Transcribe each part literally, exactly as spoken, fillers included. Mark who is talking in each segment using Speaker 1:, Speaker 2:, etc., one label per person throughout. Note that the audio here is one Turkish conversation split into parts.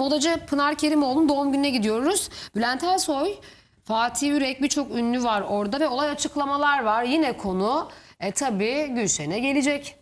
Speaker 1: modacı Pınar Kerimoğlu'nun doğum gününe gidiyoruz. Bülent Ersoy, Fatih Yürek, birçok ünlü var orada ve olay açıklamalar var. Yine konu e, tabii Gülşen'e gelecek.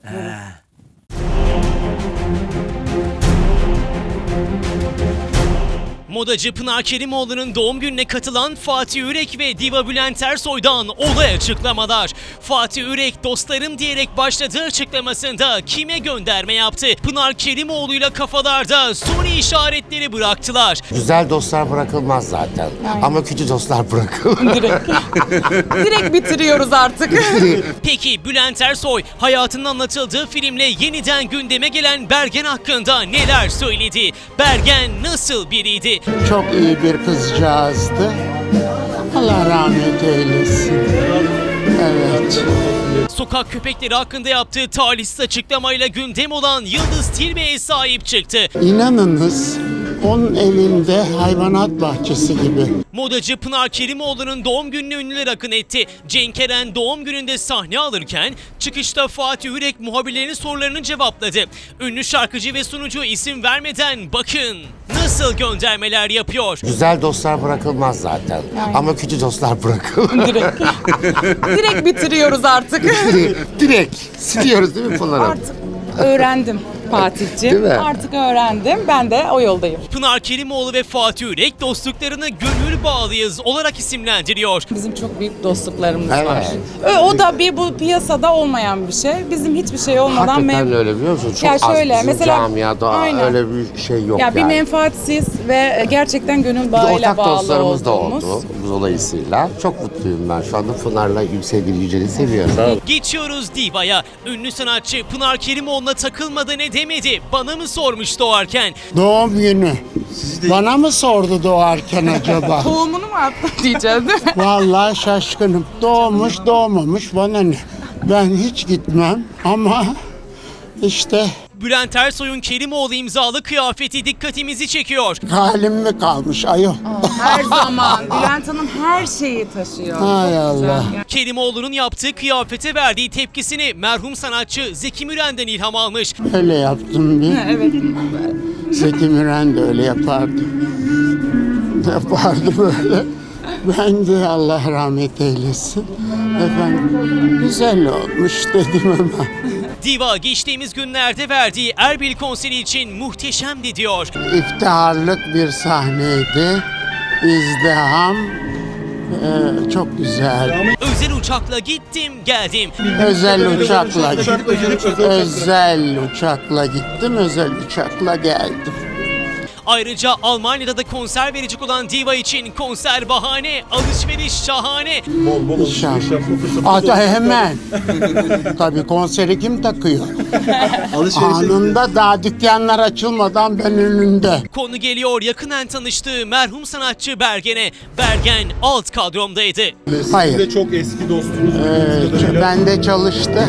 Speaker 2: Modacı Pınar Kerimoğlu'nun doğum gününe katılan Fatih Yürek ve Diva Bülent Ersoy'dan olay açıklamalar. Fatih Yürek dostlarım diyerek başladığı açıklamasında kime gönderme yaptı? Pınar Kerimoğlu'yla kafalarda soru işaretleri bıraktılar.
Speaker 3: Güzel dostlar bırakılmaz zaten. Aynen. Ama kötü dostlar bırakılır.
Speaker 4: Direkt. Direkt bitiriyoruz artık.
Speaker 2: Peki Bülent Ersoy hayatının anlatıldığı filmle yeniden gündeme gelen Bergen hakkında neler söyledi? Bergen nasıl biriydi?
Speaker 5: Çok iyi bir kızcağızdı. Allah rahmet eylesin. Evet.
Speaker 2: Sokak köpekleri hakkında yaptığı talihsiz açıklamayla gündem olan Yıldız Tilbe'ye sahip çıktı.
Speaker 5: İnanınız onun evinde hayvanat bahçesi gibi.
Speaker 2: Modacı Pınar Kerimoğlu'nun doğum gününe ünlüler akın etti. Cenk Eren doğum gününde sahne alırken çıkışta Fatih Yürek muhabirlerinin sorularını cevapladı. Ünlü şarkıcı ve sunucu isim vermeden bakın nasıl göndermeler yapıyor.
Speaker 3: Güzel dostlar bırakılmaz zaten. Aynen. Ama kötü dostlar bırakılır.
Speaker 4: Direkt. Direkt bitiriyoruz artık.
Speaker 3: Direkt siliyoruz değil mi Pınar'ım?
Speaker 4: Artık öğrendim Fatih'ciğim. Artık öğrendim. Ben de o yoldayım.
Speaker 2: Pınar Kerimoğlu ve Fatih Yürek dostluklarını gönül bağlıyız olarak isimlendiriyor.
Speaker 4: Bizim çok büyük dostluklarımız
Speaker 3: Evet.
Speaker 4: var. O da bir bu piyasada olmayan bir şey. Bizim hiçbir şey olmadan
Speaker 3: Hakikaten
Speaker 4: mem-
Speaker 3: öyle biliyor musun? Çok
Speaker 4: Ya
Speaker 3: az
Speaker 4: şöyle,
Speaker 3: bizim
Speaker 4: mesela-
Speaker 3: camiada
Speaker 4: Aynen.
Speaker 3: öyle bir şey yok
Speaker 4: Ya
Speaker 3: yani.
Speaker 4: bir menfaatsiz ve gerçekten gönül
Speaker 3: Bir de
Speaker 4: bağıyla
Speaker 3: ortak
Speaker 4: bağlı
Speaker 3: dostlarımız da
Speaker 4: olduğumuz.
Speaker 3: oldu bu dolayısıyla. Çok mutluyum ben şu anda Pınar'la sevgili Yücel'i seviyorum.
Speaker 2: Geçiyoruz Diva'ya. Ünlü sanatçı Pınar Kerimoğlu'na takılmadı ne demedi? Bana mı sormuş doğarken?
Speaker 5: Doğum günü. Bana mı sordu doğarken acaba?
Speaker 4: Tohumunu mu attı diyeceğiz değil mi?
Speaker 5: Vallahi şaşkınım. Doğmuş doğmamış bana ne? Ben hiç gitmem ama işte
Speaker 2: Bülent Ersoy'un Kerimoğlu imzalı kıyafeti dikkatimizi çekiyor.
Speaker 5: halim mi kalmış ayol?
Speaker 4: Her zaman. Bülent Hanım her şeyi taşıyor.
Speaker 5: Hay
Speaker 4: Çok güzel.
Speaker 5: Allah.
Speaker 2: Kerimoğlu'nun yaptığı kıyafete verdiği tepkisini merhum sanatçı Zeki Müren'den ilham almış.
Speaker 5: Öyle yaptım bir.
Speaker 4: Evet.
Speaker 5: Zeki Müren de öyle yapardı. Yapardı böyle. Ben de Allah rahmet eylesin. Efendim güzel olmuş dedim ama.
Speaker 2: Diva geçtiğimiz günlerde verdiği Erbil konseri için muhteşemdi diyor.
Speaker 5: İftiharlık bir sahneydi. İzdiham. Ee, çok güzel.
Speaker 2: Özel uçakla gittim geldim.
Speaker 5: Özel uçakla özel uçakla gittim. Özel uçakla geldim.
Speaker 2: Ayrıca Almanya'da da konser verecek olan Diva için konser bahane, alışveriş şahane.
Speaker 5: İnşallah. Ata hemen. Tabii konseri kim takıyor? Anında daha dükkanlar açılmadan ben önünde.
Speaker 2: Konu geliyor yakından tanıştığı merhum sanatçı Bergen'e. Bergen alt kadromdaydı.
Speaker 5: Hayır.
Speaker 6: Siz de çok eski dostunuz.
Speaker 5: Ee, ben de çalıştı.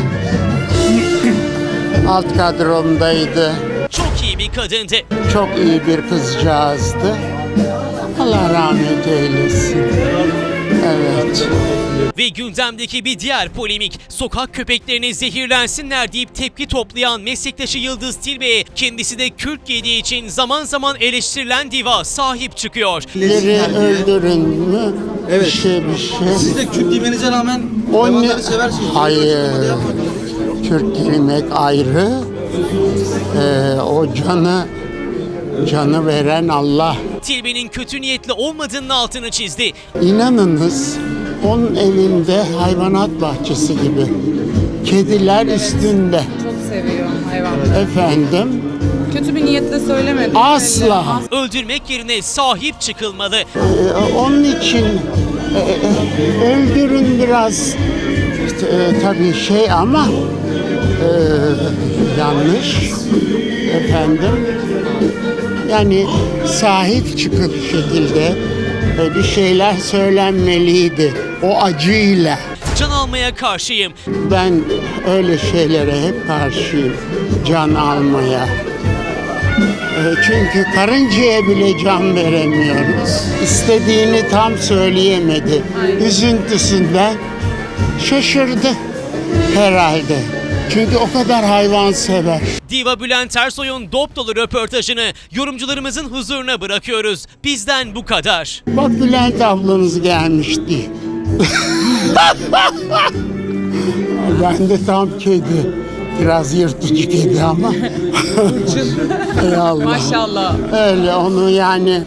Speaker 5: Alt kadromdaydı.
Speaker 2: Çok iyi bir kadındı.
Speaker 5: Çok iyi bir kızcağızdı. Allah rahmet eylesin. Evet.
Speaker 2: Ve gündemdeki bir diğer polemik, sokak köpeklerine zehirlensinler deyip tepki toplayan meslektaşı Yıldız Tilbe'ye kendisi de kürk giydiği için zaman zaman eleştirilen Diva sahip çıkıyor.
Speaker 5: Biri öldürün mü?
Speaker 6: Evet.
Speaker 5: Bir şey bir şey.
Speaker 6: Siz de Kürt giymenize rağmen
Speaker 5: O ne?
Speaker 6: hayvanları seversiniz.
Speaker 5: Hayır. Kürk giymek ayrı. Ee, o canı canı veren Allah.
Speaker 2: Tilbe'nin kötü niyetli olmadığının altını çizdi.
Speaker 5: İnanınız onun evinde hayvanat bahçesi gibi. Kediler üstünde.
Speaker 4: Çok seviyorum hayvanları.
Speaker 5: Efendim
Speaker 4: Kötü bir niyetle söylemedim.
Speaker 5: asla.
Speaker 2: Öldürmek yerine sahip çıkılmalı.
Speaker 5: Ee, onun için e, e, öldürün biraz e, tabii şey ama e, yanlış efendim. Yani sahip çıkıp şekilde e, bir şeyler söylenmeliydi o acıyla.
Speaker 2: Can almaya karşıyım.
Speaker 5: Ben öyle şeylere hep karşıyım, can almaya. E, Çünkü karıncaya bile can veremiyoruz. İstediğini tam söyleyemedi. Üzüntüsünden şaşırdı herhalde. Çünkü o kadar hayvan sever.
Speaker 2: Diva Bülent Ersoy'un dop dolu röportajını yorumcularımızın huzuruna bırakıyoruz. Bizden bu kadar.
Speaker 5: Bak Bülent ablanız gelmişti. Ben de tam kedi. Biraz yırtıcı kedi ama. Ey Allah.
Speaker 4: Maşallah.
Speaker 5: Öyle onu yani.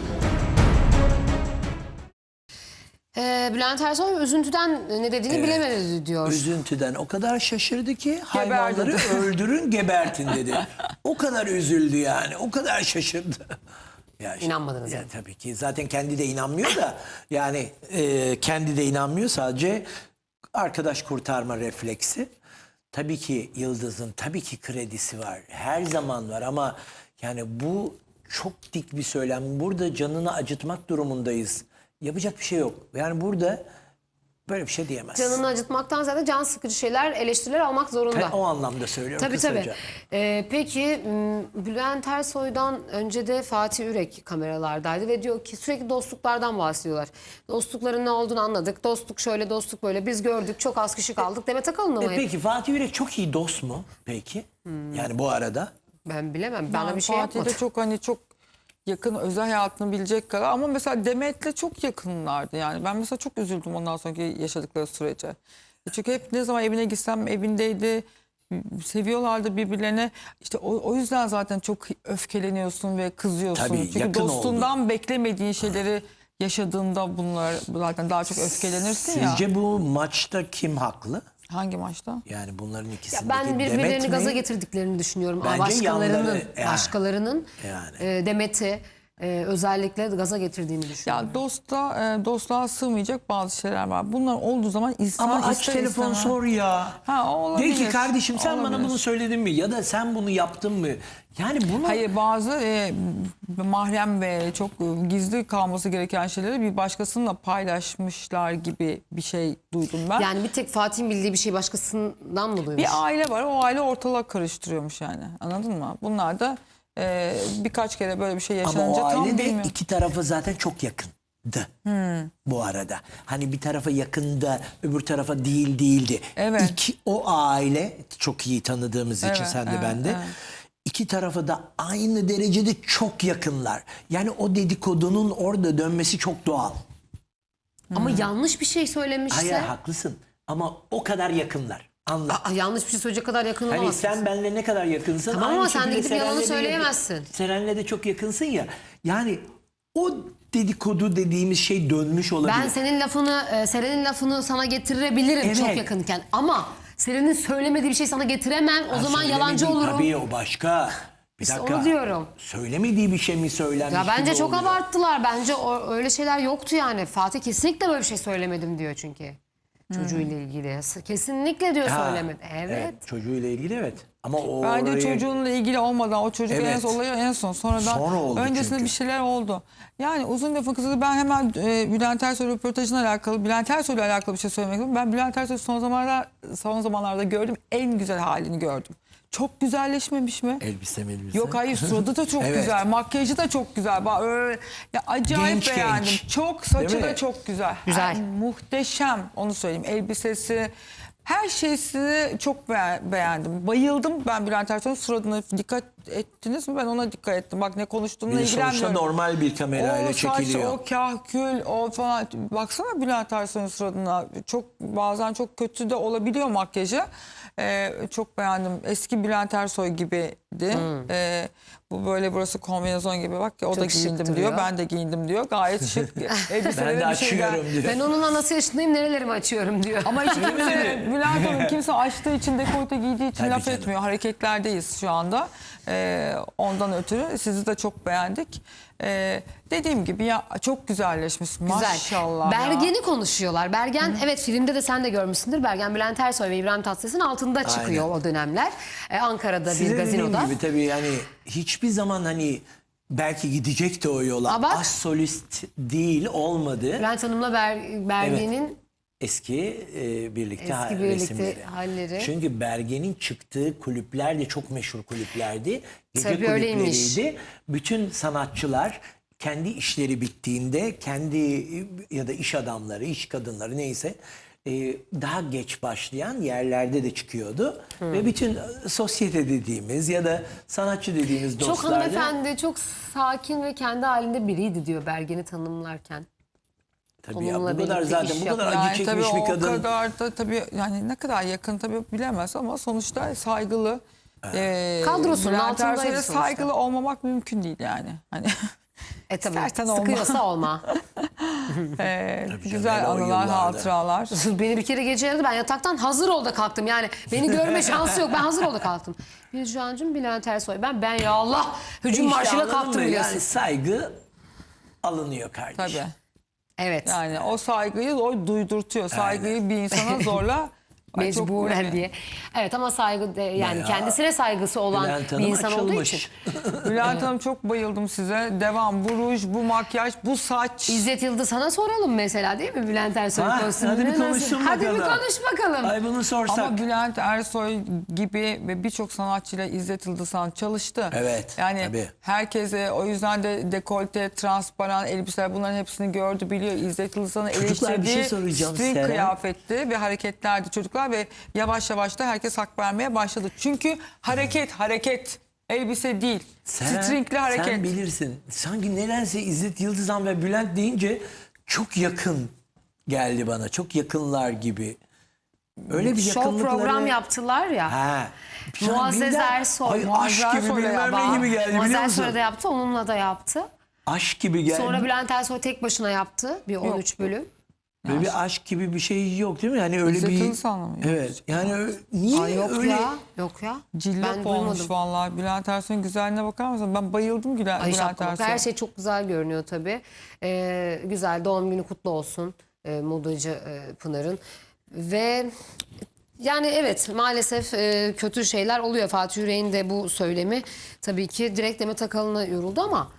Speaker 1: Ee, Bülent Ersoy üzüntüden ne dediğini bilemedi diyor.
Speaker 7: Üzüntüden o kadar şaşırdı ki hayvanları öldürün gebertin dedi. O kadar üzüldü yani. O kadar şaşırdı. Ya işte-
Speaker 1: İnanmadınız
Speaker 7: Ya
Speaker 1: yani.
Speaker 7: tabii ki zaten kendi de inanmıyor da yani e, kendi de inanmıyor, sadece arkadaş kurtarma refleksi. Tabii ki Yıldız'ın tabii ki kredisi var. Her zaman var ama yani bu çok dik bir söylem. Burada canını acıtmak durumundayız. Yapacak bir şey yok. Yani burada böyle bir şey diyemez.
Speaker 1: Canını acıtmaktan zaten can sıkıcı şeyler, eleştiriler almak zorunda.
Speaker 7: Ben o anlamda söylüyorum
Speaker 1: Tabii
Speaker 7: kısaca.
Speaker 1: tabii. Ee, peki m, Bülent Ersoy'dan önce de Fatih Ürek kameralardaydı ve diyor ki sürekli dostluklardan bahsediyorlar. Dostlukların ne olduğunu anladık. Dostluk şöyle, dostluk böyle. Biz gördük, çok az kişi kaldık. Demet Akalın'la
Speaker 7: E
Speaker 1: mı hep?
Speaker 7: peki Fatih Yürek çok iyi dost mu peki? Yani bu arada.
Speaker 1: Ben bilemem. Bana
Speaker 4: Ben
Speaker 1: bir şey
Speaker 4: Fatih'le
Speaker 1: yapmadı.
Speaker 4: çok hani çok yakın, özel hayatını bilecek kadar, ama mesela Demet'le çok yakınlardı yani. Ben mesela çok üzüldüm ondan sonraki yaşadıkları sürece. Çünkü hep ne zaman evine gitsem evindeydi. Seviyorlardı birbirlerine. İşte o, o yüzden zaten çok öfkeleniyorsun ve kızıyorsun.
Speaker 7: Tabii,
Speaker 4: Çünkü
Speaker 7: yakın
Speaker 4: dostundan beklemediğin şeyleri yaşadığında bunlar zaten daha çok öfkelenirsin ya.
Speaker 7: Sizce bu maçta kim haklı?
Speaker 4: Hangi maçta?
Speaker 7: Yani bunların
Speaker 1: Ya
Speaker 7: ikisindeki
Speaker 1: ben birbirlerini
Speaker 7: Demet mi?
Speaker 1: gaza getirdiklerini düşünüyorum. Ama
Speaker 7: Bence
Speaker 1: başkalarının,
Speaker 7: yanları, yani.
Speaker 1: başkalarının
Speaker 7: Yani.
Speaker 1: e, Demet'i e, özellikle gaza getirdiğini düşünüyorum.
Speaker 4: Ya dosta, e, dostluğa sığmayacak bazı şeyler var. Bunlar olduğu zaman insan
Speaker 7: Ama aç
Speaker 4: ister
Speaker 7: telefon
Speaker 4: istemez-
Speaker 7: sor ya.
Speaker 4: Ha, o olabilir.
Speaker 7: De ki kardeşim sen bana
Speaker 4: Olabilir.
Speaker 7: bunu söyledin mi? Ya da sen bunu yaptın mı? Yani bunu...
Speaker 4: Hayır, bazı e, mahrem ve çok e, gizli kalması gereken şeyleri bir başkasıyla paylaşmışlar gibi bir şey duydum ben.
Speaker 1: Yani bir tek Fatih'in bildiği bir şey başkasından mı duymuş?
Speaker 4: Bir aile var, o aile ortalık karıştırıyormuş yani, anladın mı? Bunlar da e, birkaç kere böyle bir şey
Speaker 7: Ama
Speaker 4: yaşanınca
Speaker 7: o
Speaker 4: tam
Speaker 7: aile de
Speaker 4: bilmiyorum.
Speaker 7: iki tarafı zaten çok yakındı. Bu arada. Hani bir tarafa yakında öbür tarafa değil değildi.
Speaker 4: Evet.
Speaker 7: İki, o aile çok iyi tanıdığımız için
Speaker 4: Evet,
Speaker 7: sen de
Speaker 4: evet,
Speaker 7: ben de.
Speaker 4: evet.
Speaker 7: İki tarafa da aynı derecede çok yakınlar. Yani o dedikodunun orada dönmesi çok doğal.
Speaker 1: Ama yanlış bir şey söylemişse...
Speaker 7: Hayır haklısın ama o kadar yakınlar. Anla.
Speaker 1: Aa, yanlış bir şey söyleyecek kadar yakın
Speaker 7: Hani
Speaker 1: olamazsın.
Speaker 7: sen benimle ne kadar yakınsın.
Speaker 1: Tamam
Speaker 7: aynı
Speaker 1: ama sen de
Speaker 7: şekilde
Speaker 1: gidip yalanı
Speaker 7: Seren'le de-
Speaker 1: söyleyemezsin.
Speaker 7: Seren'le de çok yakınsın ya. Yani o dedikodu dediğimiz şey dönmüş olabilir.
Speaker 1: Ben senin lafını, e, Seren'in lafını sana getirebilirim
Speaker 7: Evet.
Speaker 1: çok yakınken. Ama Seren'in söylemediği bir şey sana getiremem. O
Speaker 7: Ha,
Speaker 1: zaman yalancı
Speaker 7: söylemediği-
Speaker 1: olurum.
Speaker 7: Tabii o başka. Bir
Speaker 1: İşte
Speaker 7: dakika.
Speaker 1: onu diyorum.
Speaker 7: Söylemediği bir şey mi söylenmiş
Speaker 1: Ya bence
Speaker 7: gibi
Speaker 1: çok
Speaker 7: oluyor.
Speaker 1: abarttılar. Bence o, öyle şeyler yoktu yani. Fatih kesinlikle böyle bir şey söylemedim diyor çünkü. Çocuğuyla ilgili. Kesinlikle diyor
Speaker 7: Ha,
Speaker 1: söylemedi. Evet.
Speaker 7: Çocuğuyla ilgili evet. Ama o
Speaker 4: Bence
Speaker 7: oraya-
Speaker 4: çocuğunla ilgili olmadan, o çocuk en
Speaker 7: Evet.
Speaker 4: son olayı en son. Sonradan
Speaker 7: Sonra oldu
Speaker 4: öncesinde
Speaker 7: çünkü.
Speaker 4: bir şeyler oldu. Yani uzun lafın kısası, ben hemen e, Bülent Ersoy röportajına alakalı, Bülent Ersoy'la alakalı bir şey söylemek istiyorum. Ben Bülent Ersoy'u son zamanlarda, son zamanlarda gördüm, en güzel halini gördüm. Çok güzelleşmemiş mi?
Speaker 7: Elbise elbise.
Speaker 4: Yok hayır, suratı da çok
Speaker 7: Evet.
Speaker 4: güzel, makyajı da çok güzel. Bak öyle, ya acayip
Speaker 7: Genç,
Speaker 4: beğendim.
Speaker 7: genç.
Speaker 4: Çok, saçı
Speaker 7: Değil
Speaker 4: da
Speaker 7: mi?
Speaker 4: çok güzel.
Speaker 1: Güzel.
Speaker 4: Yani muhteşem, onu söyleyeyim. Elbisesi, her şeysini çok be- beğendim. Bayıldım ben Bülent Ersoy'un suratına. Dikkat ettiniz mi? Ben ona dikkat ettim. Bak ne konuştuğumla
Speaker 7: Bir de sonuçta
Speaker 4: ilgilenmiyorum.
Speaker 7: normal bir kamerayla
Speaker 4: o saç,
Speaker 7: çekiliyor.
Speaker 4: o kahkül, o falan. Baksana Bülent Ersoy'un suratına. Çok, bazen çok kötü de olabiliyor makyajı. Ee, çok beğendim. Eski Bülent Ersoy gibiydi. Ee, bu böyle burası kombinezon gibi. Bak ya, o
Speaker 1: Çok
Speaker 4: da
Speaker 1: şık
Speaker 4: giyindim
Speaker 1: duruyor.
Speaker 4: diyor. Ben de giyindim diyor. Gayet şık. Elbiseleri
Speaker 7: Ben de
Speaker 4: bir şey gel-
Speaker 7: açıyorum diyor.
Speaker 1: Ben onun anası yaşındayım, nerelerimi açıyorum diyor.
Speaker 4: Ama hiç kimse, Bülent Hanım kimse açtığı için, dekolte giydiği için
Speaker 7: Tabii
Speaker 4: laf
Speaker 7: canım.
Speaker 4: etmiyor. Hareketlerdeyiz şu anda. Ee, ondan ötürü sizi de çok beğendik. Ee, dediğim gibi ya, çok güzelleşmiş.
Speaker 1: Güzel.
Speaker 4: Maşallah ya.
Speaker 1: Bergen'i konuşuyorlar. Bergen, evet filmde de sen de görmüşsündür. Bergen Bülent Ersoy ve İbrahim Tatlıses'in altında çıkıyor
Speaker 7: Aynen.
Speaker 1: o dönemler. Ee, Ankara'da
Speaker 7: Size
Speaker 1: bir gazinoda.
Speaker 7: dediğim gibi tabii yani hiçbir zaman hani belki gidecek de o yola.
Speaker 1: Aa, bak.
Speaker 7: As solist değil olmadı.
Speaker 1: Bülent Hanım'la Ber- Bergen'in
Speaker 7: Eski e, birlikte
Speaker 1: Eski
Speaker 7: ha-
Speaker 1: birlikte
Speaker 7: resimleri.
Speaker 1: halleri.
Speaker 7: Çünkü Bergen'in çıktığı kulüpler de çok meşhur kulüplerdi. Gece
Speaker 1: Tabii öyleymiş.
Speaker 7: kulüpleriydi. Bütün sanatçılar kendi işleri bittiğinde kendi ya da iş adamları, iş kadınları neyse e, daha geç başlayan yerlerde de çıkıyordu. Ve bütün e, sosyete dediğimiz ya da sanatçı dediğimiz
Speaker 1: Çok
Speaker 7: dostlar da-
Speaker 1: hanımefendi, çok sakin ve kendi halinde biriydi diyor Bergen'i tanımlarken.
Speaker 7: Tabii ya,
Speaker 1: onunla
Speaker 7: bu kadar
Speaker 1: birlikte
Speaker 7: zaten
Speaker 1: iş
Speaker 7: bu kadar
Speaker 1: yapmak.
Speaker 7: acı
Speaker 4: Yani tabii
Speaker 7: çekmiş bir
Speaker 4: o
Speaker 7: kadın.
Speaker 4: kadar da tabii yani ne kadar yakın tabii bilemez ama sonuçta saygılı. E,
Speaker 1: Kadrosunun
Speaker 4: Bülent
Speaker 1: altındaydı
Speaker 4: Ersoy'a
Speaker 1: sonuçta.
Speaker 4: saygılı olmamak mümkün değil yani. Hani
Speaker 1: E tabii
Speaker 4: İstersen olma.
Speaker 1: sıkıyorsa olma.
Speaker 4: e,
Speaker 7: canım,
Speaker 4: güzel
Speaker 7: hele o
Speaker 4: anılar,
Speaker 7: yıllarda.
Speaker 4: hatıralar.
Speaker 1: Beni bir kere gece yaradı. Ben yataktan hazır ol da kalktım. Yani beni görme şansı yok. Ben hazır ol da kalktım. Bircancığım, Bülent Ersoy. Ben ben ya Allah hücum
Speaker 7: İşte
Speaker 1: marşıyla
Speaker 7: anladın
Speaker 1: kalktım
Speaker 7: mı?
Speaker 1: biliyorsun.
Speaker 7: Yani saygı alınıyor kardeşim.
Speaker 4: Tabii.
Speaker 1: Evet.
Speaker 4: Yani o saygıyı o duydurtuyor. Saygıyı bir insana zorla Ay, çok-
Speaker 1: Mecburen diye. Evet ama saygı de, yani
Speaker 7: Bayağı
Speaker 1: kendisine saygısı olan
Speaker 7: Bülent
Speaker 1: bir
Speaker 7: Hanım
Speaker 1: insan olduğu
Speaker 7: açılmış.
Speaker 1: için.
Speaker 4: Bülent Hanım çok bayıldım size. Devam. Bu ruj, bu makyaj, bu saç.
Speaker 1: İzzet Yıldız sana soralım mesela değil mi Bülent Ersoy
Speaker 7: Ha,
Speaker 1: kostümünü?
Speaker 7: hadi bir
Speaker 1: nasıl-
Speaker 7: konuşsun
Speaker 1: Hadi bir
Speaker 7: bakalım.
Speaker 1: konuş bakalım.
Speaker 7: Ay bunu sorsak.
Speaker 4: Ama Bülent Ersoy gibi ve birçok sanatçıyla İzzet Yıldızhan çalıştı.
Speaker 7: Evet,
Speaker 4: Yani
Speaker 7: tabii.
Speaker 4: herkese o yüzden de dekolte, transparan elbiseler bunların hepsini gördü biliyor. İzzet Yıldızhan'ı
Speaker 7: Çocuklar, bir şey
Speaker 4: eleştirdiği
Speaker 7: soracağım
Speaker 4: string
Speaker 7: Seren.
Speaker 4: kıyafetti ve hareketlerdi çocuklar ve yavaş yavaş da herkes hak vermeye başladı. Çünkü hareket, hareket. Elbise değil.
Speaker 7: Sen,
Speaker 4: Stringli hareket.
Speaker 7: sen bilirsin. Sanki nedense İzzet Yıldızhan ve Bülent deyince çok yakın geldi bana. Çok yakınlar gibi. Öyle bir
Speaker 1: Show
Speaker 7: yakınlıkları.
Speaker 1: program yaptılar ya.
Speaker 7: Ha. Sen
Speaker 1: Muazzez
Speaker 7: birden-
Speaker 1: Ersoy.
Speaker 7: Ay,
Speaker 1: Muazzez
Speaker 7: aşk gibi
Speaker 4: Ersoy'la
Speaker 7: bilmem
Speaker 4: ya.
Speaker 7: ne gibi geldi
Speaker 1: Muazzez
Speaker 7: biliyor
Speaker 1: Ersoy
Speaker 7: musun?
Speaker 1: da yaptı, onunla da yaptı.
Speaker 7: Aşk gibi geldi.
Speaker 1: Sonra Bülent Ersoy tek başına yaptı bir on üç bölüm.
Speaker 7: Böyle bir aşk gibi bir şey yok değil mi? Yani öyle
Speaker 4: İzzet
Speaker 7: bir...
Speaker 4: Yıldızhan'la mı
Speaker 7: Evet. Yani ö- niye
Speaker 1: Ay yok
Speaker 7: öyle...
Speaker 1: ya, yok ya.
Speaker 4: Cillop
Speaker 1: Ben
Speaker 4: olmuş
Speaker 1: duymadım.
Speaker 4: vallahi. Bülent Ersoy'un güzelliğine bakar mısın? Ben bayıldım Gülen,
Speaker 1: Ay
Speaker 4: Bülent
Speaker 1: şapkalık.
Speaker 4: Ersoy'a.
Speaker 1: Her şey çok güzel görünüyor tabii. Ee, güzel, doğum günü kutlu olsun e, modacı e, Pınar'ın. Ve yani evet maalesef e, kötü şeyler oluyor. Fatih Yürek'in de bu söylemi tabii ki direkt Demet Akalın'a yoruldu ama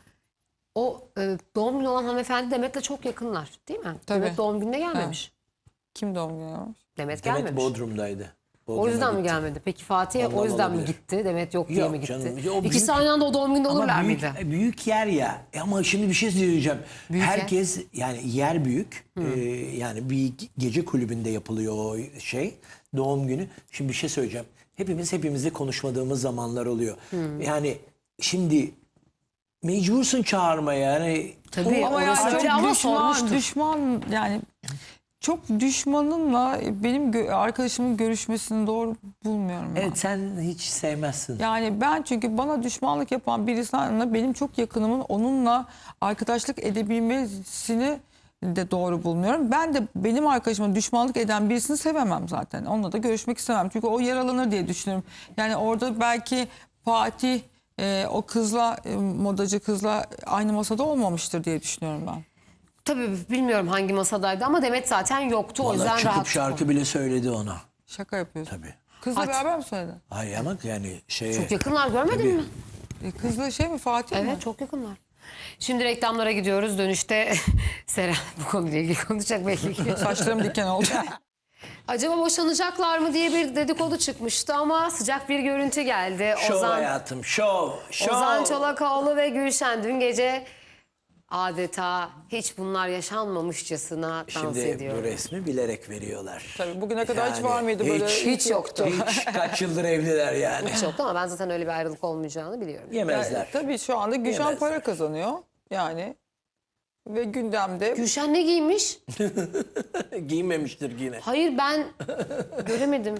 Speaker 1: o e, doğum günü olan hanımefendi Demet'le çok yakınlar değil mi?
Speaker 4: Tabii.
Speaker 1: Demet doğum gününe gelmemiş.
Speaker 4: Kim doğum günü yapmış?
Speaker 1: Demet
Speaker 7: Demet
Speaker 1: gelmemiş.
Speaker 7: Bodrum'daydı.
Speaker 1: O
Speaker 7: Bodrum'a
Speaker 1: yüzden mi
Speaker 7: gitti.
Speaker 1: gelmedi? Peki Fatih
Speaker 7: Ondan
Speaker 1: o yüzden mi
Speaker 7: olabilir.
Speaker 1: gitti? Demet yok diye
Speaker 7: Yok
Speaker 1: mi gitti?
Speaker 7: canım, o büyük-
Speaker 1: İkisi aynı anda o doğum gününde olurlar
Speaker 7: Ama büyük,
Speaker 1: mıydı?
Speaker 7: büyük yer ya. E Ama şimdi bir şey söyleyeceğim.
Speaker 1: Büyük yer.
Speaker 7: Herkes yani yer büyük. Ee, yani bir gece kulübünde yapılıyor o şey. Doğum günü. Şimdi bir şey söyleyeceğim. Hepimiz hepimizle konuşmadığımız zamanlar oluyor. Yani şimdi mecbursun çağırmaya. Yani
Speaker 1: Tabii
Speaker 4: Ama
Speaker 1: orası
Speaker 4: yani
Speaker 1: öyle
Speaker 4: çok
Speaker 1: ama
Speaker 4: düşman,
Speaker 1: sormuştur.
Speaker 4: düşman yani çok düşmanınla benim gö- arkadaşımın görüşmesini doğru bulmuyorum. ben.
Speaker 7: evet sen hiç sevmezsin.
Speaker 4: Yani ben çünkü bana düşmanlık yapan birisine benim çok yakınımın onunla arkadaşlık edebilmesini de doğru bulmuyorum. Ben de benim arkadaşıma düşmanlık eden birisini sevemem zaten. Onunla da görüşmek istemem. Çünkü o yaralanır diye düşünüyorum. Yani orada belki Fatih e, o kızla e, modacı kızla aynı masada olmamıştır diye düşünüyorum ben.
Speaker 1: Tabii bilmiyorum hangi masadaydı ama Demet zaten yoktu. O
Speaker 7: Vallahi
Speaker 1: yüzden
Speaker 7: çıkıp
Speaker 1: rahat.
Speaker 7: şarkı bile söyledi ona.
Speaker 4: Şaka yapıyorsun.
Speaker 7: Tabii.
Speaker 4: Kızla
Speaker 1: Hadi.
Speaker 4: beraber mi söyledin?
Speaker 7: Hayır ama yani şey...
Speaker 1: Çok yakınlar, görmedin
Speaker 7: Tabii.
Speaker 1: mi?
Speaker 4: E, kızla şey mi Fatih mi?
Speaker 1: Evet, çok yakınlar. Şimdi reklamlara gidiyoruz. Dönüşte Seren bu konuyla ilgili konuşacak belli ki.
Speaker 4: Saçlarım diken oldu.
Speaker 1: Acaba boşanacaklar mı diye bir dedikodu çıkmıştı ama sıcak bir görüntü geldi.
Speaker 7: Şov
Speaker 1: Ozan,
Speaker 7: hayatım, şov, şov.
Speaker 1: Ozan Çolakoğlu ve Gülşen dün gece adeta hiç bunlar yaşanmamışçasına dans
Speaker 7: Şimdi
Speaker 1: ediyor.
Speaker 7: bu resmi bilerek veriyorlar.
Speaker 4: Tabii bugüne kadar hiç
Speaker 7: Yani
Speaker 4: var mıydı böyle?
Speaker 7: hiç-
Speaker 1: Hiç yoktu.
Speaker 7: Hiç kaç yıldır evliler yani.
Speaker 1: Hiç yoktu ama ben zaten öyle bir ayrılık olmayacağını biliyorum.
Speaker 7: Yemezler.
Speaker 4: Yani, tabii şu anda Gülşen
Speaker 7: Yemezler.
Speaker 4: para kazanıyor yani ve gündemde
Speaker 1: Gülşen ne giymiş?
Speaker 7: Giymemiştir yine.
Speaker 1: Hayır ben göremedim.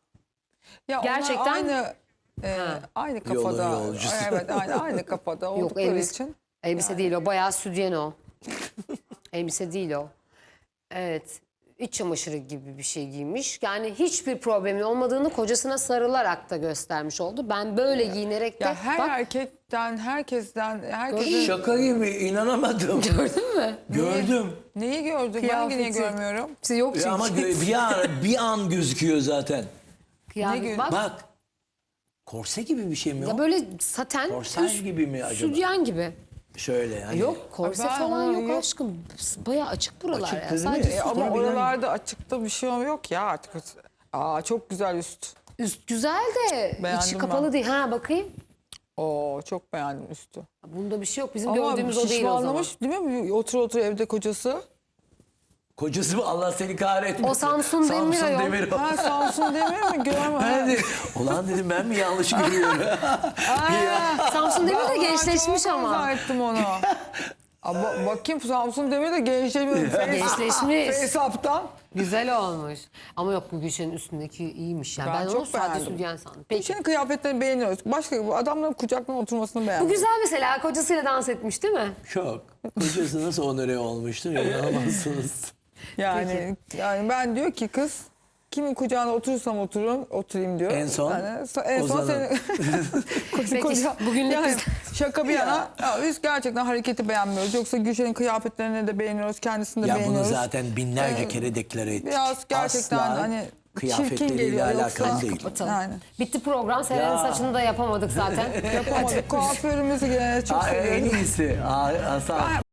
Speaker 4: ya
Speaker 1: Gerçekten-
Speaker 4: onlar aynı e, aynı kafada.
Speaker 7: Yolun yolcusu.
Speaker 4: Evet aynı aynı kafada oldukları
Speaker 1: elbise-
Speaker 4: için.
Speaker 1: Elbise değil o, bayağı sütyen o. Elbise değil o. Evet, iç çamaşırı gibi bir şey giymiş. Yani hiçbir problemin olmadığını kocasına sarılarak da göstermiş oldu. Ben böyle giyinerek de
Speaker 4: Ya her
Speaker 1: bak
Speaker 4: erkekten, herkesten, herkesin
Speaker 7: Şaka gibi inanamadım.
Speaker 1: gördün mü?
Speaker 7: Gördüm.
Speaker 4: neyi gördüm? Ben
Speaker 1: Kıyafeti.
Speaker 4: niye görmüyorum?
Speaker 1: İşte yok çünkü.
Speaker 7: Ya ama gö- bir an, bir an gözüküyor zaten.
Speaker 1: Kıyafet,
Speaker 4: Ne gö-
Speaker 1: bak,
Speaker 7: Bak. Korse gibi bir şey mi
Speaker 1: ya
Speaker 7: o?
Speaker 1: böyle saten,
Speaker 7: Korsaj
Speaker 1: üst,
Speaker 7: gibi mi acaba?
Speaker 1: sütyen gibi.
Speaker 7: Şöyle hani.
Speaker 1: Yok korse
Speaker 4: Ben
Speaker 1: falan
Speaker 4: onu
Speaker 1: yok,
Speaker 4: yok.
Speaker 1: aşkım. Bayağı açık buralar
Speaker 7: Açık
Speaker 1: ya.
Speaker 7: değil mi?
Speaker 1: Sadece
Speaker 7: E,
Speaker 4: E, ama
Speaker 1: sütyen.
Speaker 4: oralarda açıkta bir şey yok ya artık. Aa çok güzel üst.
Speaker 1: Üst güzel de
Speaker 4: Beğendim
Speaker 1: içi
Speaker 4: ben.
Speaker 1: kapalı değil. Ha bakayım.
Speaker 4: Oo çok beğendim üstü.
Speaker 1: Bunda bir şey yok. Bizim
Speaker 4: Ama
Speaker 1: gördüğümüz o değil o zaman.
Speaker 4: şişmanlamış değil mi? Otur otur evde kocası.
Speaker 7: Kocası mı? Allah seni kahretmesin.
Speaker 1: O Samsun Demir ayol.
Speaker 7: Demir o.
Speaker 4: Ha Samsun Demir mi? Görme.
Speaker 7: Ben de, ulan dedim ben mi yanlış görüyorum?
Speaker 1: Samsun Demir de gençleşmiş
Speaker 4: Çok
Speaker 1: ama.
Speaker 4: arzu ettim onu. Aa, bakayım Samsun Demir de gençleşmiş.
Speaker 1: Gençleşmiş.
Speaker 4: Hesaptan.
Speaker 1: Güzel olmuş. Ama yok, bu Gülşen'in üstündeki iyiymiş yani. Ben,
Speaker 4: Ben
Speaker 1: onu
Speaker 4: çok
Speaker 1: sade
Speaker 4: beğendim.
Speaker 1: sütyen sandım. Peki.
Speaker 4: Gülşen'in kıyafetlerini beğeniyoruz. Başka bu adamların kucaklarına oturmasını
Speaker 1: Bu
Speaker 4: beğendim.
Speaker 1: güzel mesela, kocasıyla dans etmiş değil mi?
Speaker 7: Çok. Kocası nasıl onore olmuştur inanamazsınız.
Speaker 4: Yani yani ben diyor ki kız kimin kucağına oturursam otururum, oturayım diyor.
Speaker 7: En son
Speaker 4: Yani, en son
Speaker 7: Ozan'ın.
Speaker 4: senin
Speaker 1: Peki,
Speaker 4: koca,
Speaker 1: bugünlük
Speaker 4: yani,
Speaker 1: biz-
Speaker 4: şaka bir yana ya biz gerçekten hareketi beğenmiyoruz. Yoksa Gülşen'in kıyafetlerini de beğeniyoruz, kendisini de
Speaker 7: Ya bunu
Speaker 4: beğeniyoruz.
Speaker 7: zaten binlerce
Speaker 4: Ee,
Speaker 7: kere deklare ettik.
Speaker 4: Biraz gerçekten
Speaker 7: Asla
Speaker 4: hani çirkin
Speaker 7: kıyafetleriyle
Speaker 4: geliyor
Speaker 7: alakalı
Speaker 4: yoksa.
Speaker 7: değil.
Speaker 1: Bakalım.
Speaker 4: Yani.
Speaker 1: Bitti program. Seren'in
Speaker 7: Ya.
Speaker 1: saçını da yapamadık zaten.
Speaker 4: Yapamadık. Kuaförümüzü gene çok
Speaker 7: Aa, en
Speaker 4: seviyoruz.
Speaker 7: iyisi. Aa, Hasan.